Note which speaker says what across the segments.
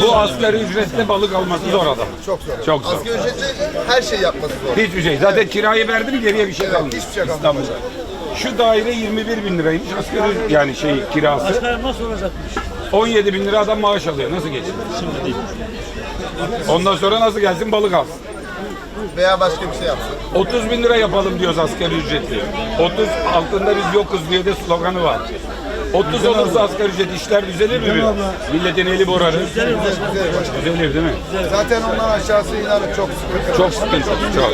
Speaker 1: Bu asgari ücretle balık alması zor adam.
Speaker 2: Çok zor.
Speaker 1: Çok zor.
Speaker 2: Asgari ücretle her şey yapması zor.
Speaker 1: Hiçbir şey. Zaten kirayı verdi mi geriye bir şey kalmıyor.
Speaker 2: Hiçbir şey kalmıyor.
Speaker 1: İstanbul'da. Şu daire 21 bin liraymış. Asgari yani kirası.
Speaker 3: Başkanım nasıl olacakmış?
Speaker 1: 17 bin lira adam maaş alıyor. Nasıl geçsin?
Speaker 3: Şimdi değil.
Speaker 1: Ondan sonra nasıl gelsin balık alsın?
Speaker 2: Veya başka bir şey yapsın.
Speaker 1: 30 bin lira yapalım diyoruz asgari ücretli. 30 altında biz yokuz diye de sloganı var. 30 olursa asgari ücret işler düzelir mi? Milletin eli borarı. Düzelir değil mi?
Speaker 2: Zaten ondan aşağısı inanın çok sıkıntı.
Speaker 1: Çok sıkıntı. Çok.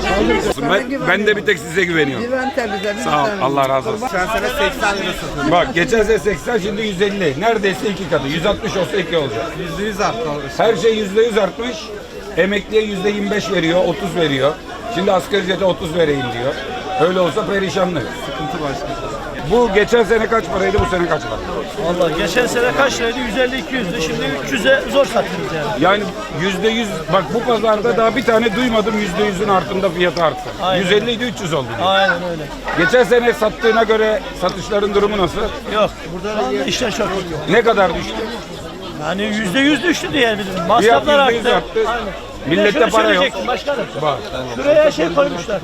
Speaker 1: Ben de bir tek size güveniyorum. Sağ ol. Allah razı olsun.
Speaker 2: Geçen sene 80 lira satıldı.
Speaker 1: Bak geçen sene 80 şimdi 150. Neredeyse iki katı. 160 olsa iki olacak.
Speaker 2: %100 arttı.
Speaker 1: Her şey %100 artmış. Emekliye %25 veriyor, 30 veriyor. Şimdi asgari ücrete 30 vereyim diyor. Öyle olsa perişanlık.
Speaker 2: Sıkıntı başka.
Speaker 1: Bu geçen sene kaç paraydı, bu sene kaç para?
Speaker 3: Vallahi geçen sene kaç liraydı? 150-200'dü. Şimdi 300'e zor satıyoruz yani.
Speaker 1: Yani %100, bak bu pazarda daha bir tane duymadım %100'ün altında fiyatı arttı.
Speaker 3: Aynen.
Speaker 1: 150 idi 300 oldu diyor.
Speaker 3: Aynen öyle.
Speaker 1: Geçen sene sattığına göre satışların durumu nasıl?
Speaker 3: Yok. Burada işler çok iyi.
Speaker 1: Ne kadar düştü?
Speaker 3: Yani %100 düştü diyebilirim.
Speaker 1: Fiyat
Speaker 3: Masraflar
Speaker 1: %100
Speaker 3: arttı.
Speaker 1: arttı.
Speaker 3: Aynen.
Speaker 1: Millette
Speaker 3: Bir de şunu
Speaker 1: para yok.
Speaker 3: söyleyecektim başkanım.
Speaker 1: Bak.
Speaker 3: Şuraya şey koymuşlar.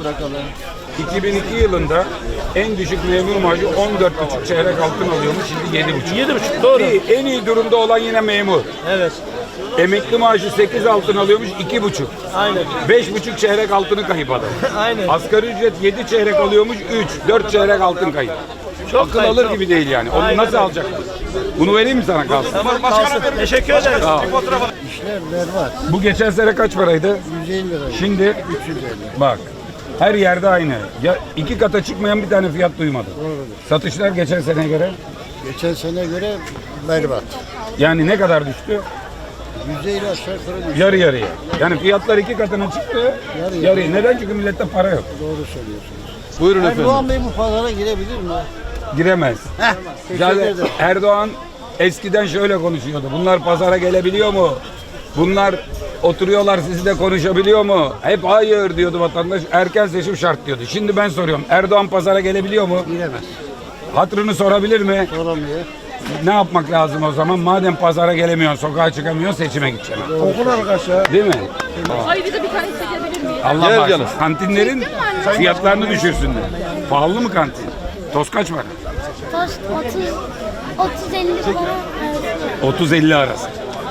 Speaker 1: 2002 yılında en düşük memur maaşı 14,5 çeyrek altın alıyormuş, şimdi 7,5.
Speaker 3: 7,5 doğru.
Speaker 1: En iyi durumda olan yine memur.
Speaker 3: Evet.
Speaker 1: Emekli maaşı 8 altın alıyormuş, 2,5.
Speaker 3: Aynen.
Speaker 1: 5,5 çeyrek altını kayıp adam.
Speaker 3: Aynen.
Speaker 1: Asgari ücret 7 çeyrek alıyormuş, 4 çeyrek altın kayıp.
Speaker 3: Çok
Speaker 1: Akıl
Speaker 3: kayıp,
Speaker 1: alır
Speaker 3: çok.
Speaker 1: gibi değil yani. Onu
Speaker 3: Aynen
Speaker 1: nasıl
Speaker 3: öyle.
Speaker 1: alacak? Bunu vereyim mi sana kalsın?
Speaker 3: Tamam kalsın. Teşekkür ederiz.
Speaker 1: Sağ ol.
Speaker 4: İşler var.
Speaker 1: Bu geçen sene kaç paraydı?
Speaker 4: 150 lira.
Speaker 1: Şimdi
Speaker 4: 350.
Speaker 1: bak her yerde aynı. Ya iki kata çıkmayan bir tane fiyat duymadım. Satışlar geçen seneye göre
Speaker 4: Geçen sene göre berbat.
Speaker 1: yani ne kadar düştü?
Speaker 4: %50 aşağı yukarı düştü.
Speaker 1: Yarı yarıya. Yani fiyatlar iki katına çıktı.
Speaker 4: Yarı
Speaker 1: Yarı. Neden? Çünkü millette para yok.
Speaker 4: Doğru söylüyorsunuz.
Speaker 1: Buyurun
Speaker 4: Erdoğan Bey bu pazara girebilir mi?
Speaker 1: Giremez.
Speaker 4: Teşekkür
Speaker 1: Zaten
Speaker 4: ederim.
Speaker 1: Erdoğan eskiden şöyle konuşuyordu. Bunlar pazara gelebiliyor mu? Bunlar oturuyorlar sizinle konuşabiliyor mu? Hep hayır diyordu vatandaş. Erken seçim şart diyordu. Şimdi ben soruyorum. Erdoğan pazara gelebiliyor mu?
Speaker 4: Giremez.
Speaker 1: Hatırını sorabilir mi?
Speaker 4: Soramıyor.
Speaker 1: Ne yapmak lazım o zaman? Madem pazara gelemiyorsun, sokağa çıkamıyorsun, seçime gideceksin.
Speaker 4: Okul arkadaşlar.
Speaker 1: Değil mi?
Speaker 5: Ayrıca bir tane çekebilir miyim?
Speaker 1: Allah bağışlasın. Kantinlerin fiyatlarını düşürsünler. Pahalı mı kantin? Toz kaç para?
Speaker 5: Tost 30-50 falan.
Speaker 1: 30-50 arası.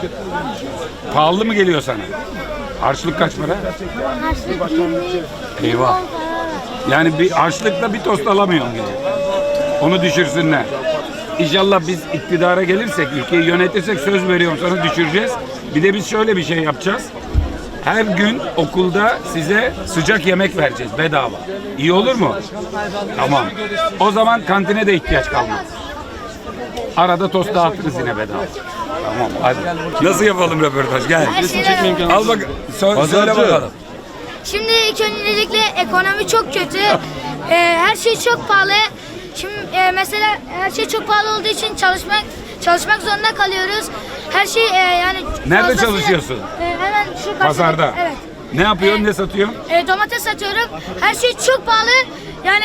Speaker 1: Pahalı mı geliyor sana? Harçlık kaç para?
Speaker 5: Harçlık 20.
Speaker 1: Eyvah. Yani bir harçlıkla bir tost alamıyorsun gibi. Onu düşürsünler. İnşallah biz iktidara gelirsek, ülkeyi yönetirsek söz veriyorum sana düşüreceğiz. Bir de biz şöyle bir şey yapacağız. Her gün okulda size sıcak yemek vereceğiz bedava. İyi olur mu? Tamam. O zaman kantine de ihtiyaç kalmaz. Arada tost dağıtırız yine bedava. Tamam hadi. Nasıl yapalım röportaj? Gel. Al bak. Söyle bakalım.
Speaker 6: Şimdi ilk öncelikle ekonomi çok kötü. Her şey çok pahalı. Şimdi mesela her şey çok pahalı olduğu için çalışmak zorunda kalıyoruz. Her şey yani
Speaker 1: Nerede
Speaker 6: fazlasıyla-
Speaker 1: çalışıyorsun?
Speaker 6: Hemen şu karşıda.
Speaker 1: Pazarda.
Speaker 6: Evet.
Speaker 1: Ne yapıyorsun, ne satıyorsun?
Speaker 6: Domates satıyorum. Her şey çok pahalı. Yani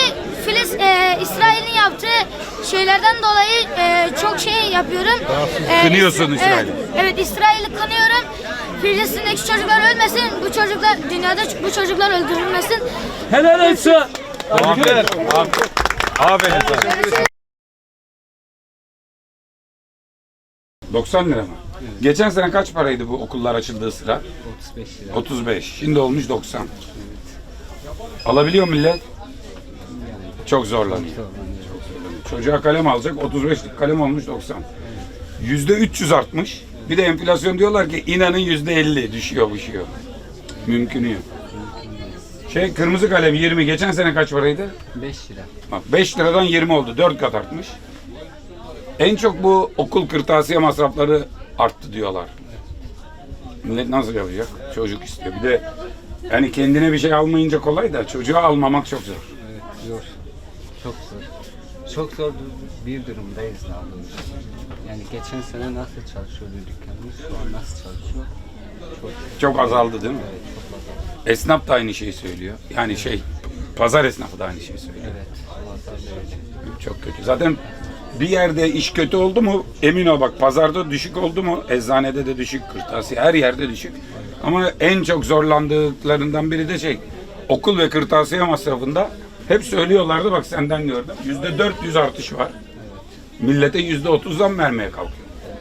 Speaker 6: İsrail'in yaptığı şeylerden dolayı çok şey yapıyorum.
Speaker 1: Kınıyorsun İsrail'i.
Speaker 6: Evet, İsrail'i kınıyorum. Filistin'deki çocuklar ölmesin. Bu çocuklar dünyada bu çocuklar öldürülmesin.
Speaker 3: Helal olsun.
Speaker 1: Aferin. Aferin sana. 90 lira mı? Geçen sene kaç paraydı bu okullar açıldığı sıra?
Speaker 7: 35 lira.
Speaker 1: 35. Şimdi olmuş 90. Alabiliyor millet? Çok zorlanıyor. Çocuğa kalem alacak 35'lik kalem olmuş 90. %300 artmış. Bir de enflasyon diyorlar ki inanın %50 düşüyor. Mümkünü yok. Kırmızı kalem 20. Geçen sene kaç paraydı?
Speaker 7: 5 lira.
Speaker 1: Bak 5 liradan 20 oldu. 4 kat artmış. En çok bu okul kırtasiye masrafları arttı diyorlar. Millet nasıl yapacak? Çocuk istiyor. Bir de yani kendine bir şey almayınca kolay da çocuğa almamak çok zor.
Speaker 7: Evet zor. Çok zor. Çok zor bir durumdayız daha doğrusu. Yani geçen sene nasıl çalışıyordu dükkanımız, şu an nasıl çalışıyor?
Speaker 1: Çok azaldı değil mi?
Speaker 7: Evet, çok azaldı.
Speaker 1: Esnaf da aynı şeyi söylüyor. Yani pazar esnafı da aynı şeyi söylüyor.
Speaker 7: Evet, pazar da öyle.
Speaker 1: Çok kötü. Zaten bir yerde iş kötü oldu mu emin ol bak pazarda düşük oldu mu eczanede de düşük, kırtasiye her yerde düşük. Ama en çok zorlandıklarından biri de okul ve kırtasiye masrafında hep söylüyorlardı bak senden gördüm. %400 artış var. Millete %30'dan vermeye kalkıyor.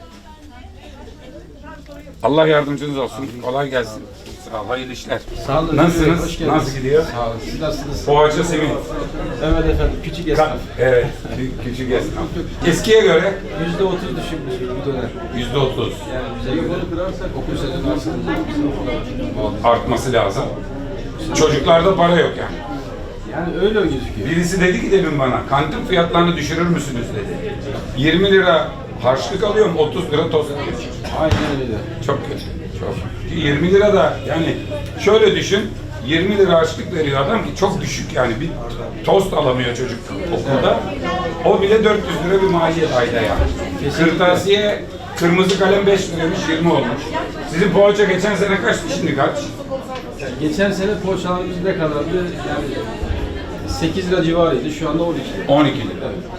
Speaker 1: Allah yardımcınız olsun. Kolay gelsin. Sağ ol, hayırlı işler.
Speaker 8: Sağ olun.
Speaker 1: Nasılsınız?
Speaker 8: Hoş geldiniz.
Speaker 1: Nasıl gidiyor?
Speaker 8: Sağ olun. Siz nasılsınız?
Speaker 1: Poğaça simit.
Speaker 8: Evet efendim. Küçük esnaf.
Speaker 1: Evet, küçük esnaf. Eskiye göre
Speaker 8: %30 düşükmüş bu dönem.
Speaker 1: %30
Speaker 8: Yani bize göre okul sezonu aslında
Speaker 1: artması lazım. Çocuklarda para yok yani.
Speaker 8: yani öyle gözüküyor.
Speaker 1: Birisi dedi ki demin bana, kantin fiyatlarını düşürür müsünüz dedi. 20 lira harçlık alıyorum, 30 lira tost yiyorum.
Speaker 8: Aynen öyle.
Speaker 1: Çok kötü. Çok. 20 lira da yani şöyle düşün, 20 lira harçlık veriyor adam ki çok düşük yani bir tost alamıyor çocuk okulda. O bile 400 lira bir maliyet ayda yani. Kırtasiye kırmızı kalem 5 liraymış 20 olmuş. Sizin poğaça geçen sene kaçtı şimdi kaç?
Speaker 8: Yani geçen sene poğaçalarımız ne kadardı? Yani 8 lira civarıydı. Şu anda 12 lira.
Speaker 1: 12 lira.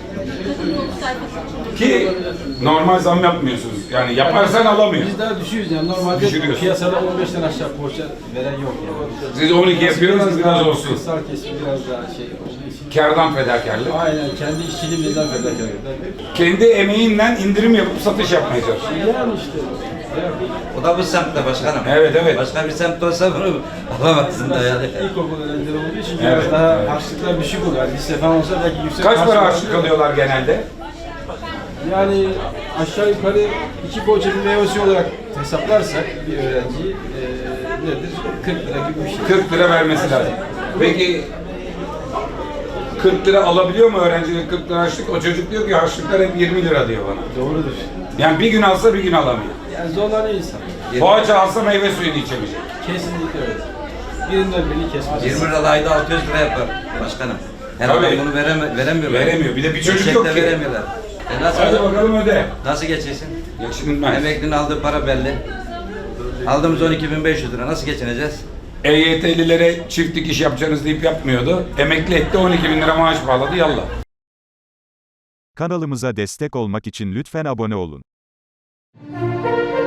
Speaker 1: Ki normal zam yapmıyorsunuz. Yani yaparsan alamıyor.
Speaker 8: Biz daha düşüyoruz yani. Normalde
Speaker 1: Düşürüyorsun.
Speaker 8: piyasada 15'ten aşağı poğaça veren yok yani.
Speaker 1: Siz 12 yapıyorsunuz biraz olsun.
Speaker 8: Kısar kesim biraz daha şey olduğu için.
Speaker 1: Kârdan fedakarlık.
Speaker 8: Aynen kendi işçiliğimizden fedakarlık.
Speaker 1: Kendi emeğinle indirim yapıp satış yapmaya çalışıyor.
Speaker 8: Yani işte.
Speaker 9: O da bu semtte başkanım.
Speaker 1: Evet, evet.
Speaker 9: Başka bir semt olsa bunu alamazsın da yani.
Speaker 8: İlkokul öğrencileri olduğu için
Speaker 1: Evet,
Speaker 8: biraz daha
Speaker 1: evet.
Speaker 8: harçlıklar düşük oluyor. Yani lise falan olsa belki yüksek
Speaker 1: Kaç para
Speaker 8: harçlık
Speaker 1: harçlık alıyorlar genelde?
Speaker 8: Yani aşağı yukarı 2 poğaça bir meyvesi olarak hesaplarsak bir öğrenciyi nedir? 40 lira gibi bir şey.
Speaker 1: 40 lira vermesi lazım. Peki 40 lira alabiliyor mu öğrencinin 40 lira harçlık? O çocuk diyor ki harçlıklar hep 20 lira diyor bana.
Speaker 8: Doğrudur.
Speaker 1: Yani bir gün alsa bir gün alamıyor.
Speaker 8: Yani zorlanıyor insan.
Speaker 1: Poğaça alsa meyve suyunu içemeyecek.
Speaker 8: Kesinlikle öyle. Birinden birini kesmez.
Speaker 9: 20 lira ayda 600 lira yapar başkanım. Her adam
Speaker 1: Tabii.
Speaker 9: bunu veremiyor.
Speaker 1: Veremiyor. Bir de bir çocuk
Speaker 9: Çiçek
Speaker 1: yok
Speaker 9: de
Speaker 1: ki.
Speaker 9: veremiyorlar.
Speaker 1: Hadi bakalım öde.
Speaker 9: Nasıl geçeceksin?
Speaker 1: Geçinilmez.
Speaker 9: Emeklinin aldığı para belli. Aldığımız 12.500 lira. Nasıl geçineceğiz?
Speaker 1: EYT'lilere çift dikiş yapacağınız deyip yapmıyordu. Emekli etti 12 bin lira maaş bağladı yallah.
Speaker 10: Kanalımıza destek olmak için lütfen abone olun.